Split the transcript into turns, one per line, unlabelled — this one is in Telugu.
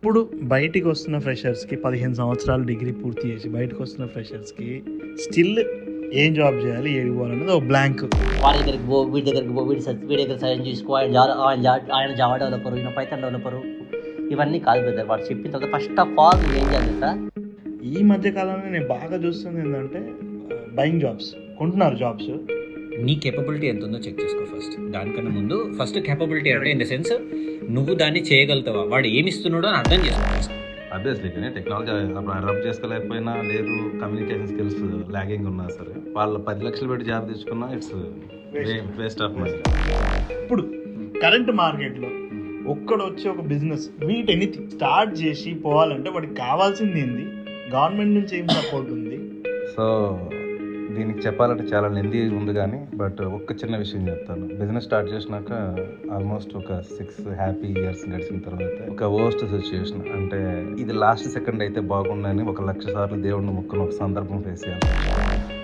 ఇప్పుడు బయటికి వస్తున్న ఫ్రెషర్స్కి 15 సంవత్సరాలు డిగ్రీ పూర్తి చేసి బయటకు వస్తున్న ఫ్రెషర్స్కి స్టిల్ ఏం జాబ్ చేయాలి, ఏడికి పోవాలనేది ఒక బ్లాంక్.
వాడి దగ్గరికి పో, వీడి దగ్గరికి పో, వీడి దగ్గర సైన్ చేసుకో, ఆయన జావా డెవలపరు, ఈయన పైథాన్ డెవలపరు, ఇవన్నీ కాదు బ్రదర్. వాడు చెప్పిన తర్వాత ఫస్ట్ ఆఫ్ ఆల్ నువ్వు ఏం చేయాలి సార్?
ఈ మధ్య కాలంలో నేను బాగా చూస్తుంది ఏంటంటే బయింగ్ జాబ్స్, కొంటున్నారు జాబ్స్.
నీ కేపబిలిటీ ఎంత ఉందో చెక్ చేసుకో ఫస్ట్. దానికన్నా ముందు ఫస్ట్ కేపబిలిటీ అంటే ఇన్ ద సెన్స్ నువ్వు దాన్ని చేయగలుగుతావా, వాడు ఏమి ఇస్తున్నాడో అని అర్థం చేసుకో ఫస్ట్.
ఆబ్వియస్లీ కానీ టెక్నాలజీ అప్పుడు అడాప్ట్ చేసుకోలేకపోయినా, లేదు కమ్యూనికేషన్ స్కిల్స్ లాగింగ్ ఉన్నా సరే వాళ్ళు 10 లక్షలు పెట్టి జాబ్ తెచ్చుకున్నా ఇట్స్ వేస్ట్ ఆఫ్ మనీ.
ఇప్పుడు కరెంట్ మార్కెట్లో ఒక్కడు వచ్చి ఒక బిజినెస్ వీటిని స్టార్ట్ చేసి పోవాలంటే వాడికి కావాల్సింది ఏంది, గవర్నమెంట్ నుంచి ఏం సపోర్ట్ ఉంది?
సో దీనికి చెప్పాలంటే చాలా లెందీ ఉంది కానీ బట్ ఒక్క చిన్న విషయం చెప్తాను. బిజినెస్ స్టార్ట్ చేసినాక ఆల్మోస్ట్ ఒక 6 హ్యాపీ ఇయర్స్ గడిచిన తర్వాత ఒక వర్స్ట్ సిచ్యుయేషన్, అంటే ఇది లాస్ట్ సెకండ్ అయితే బాగుండని 1,00,000 సార్లు దేవుడిని మొక్కుని ఒక సందర్భం ఫేస్ చేయాలి.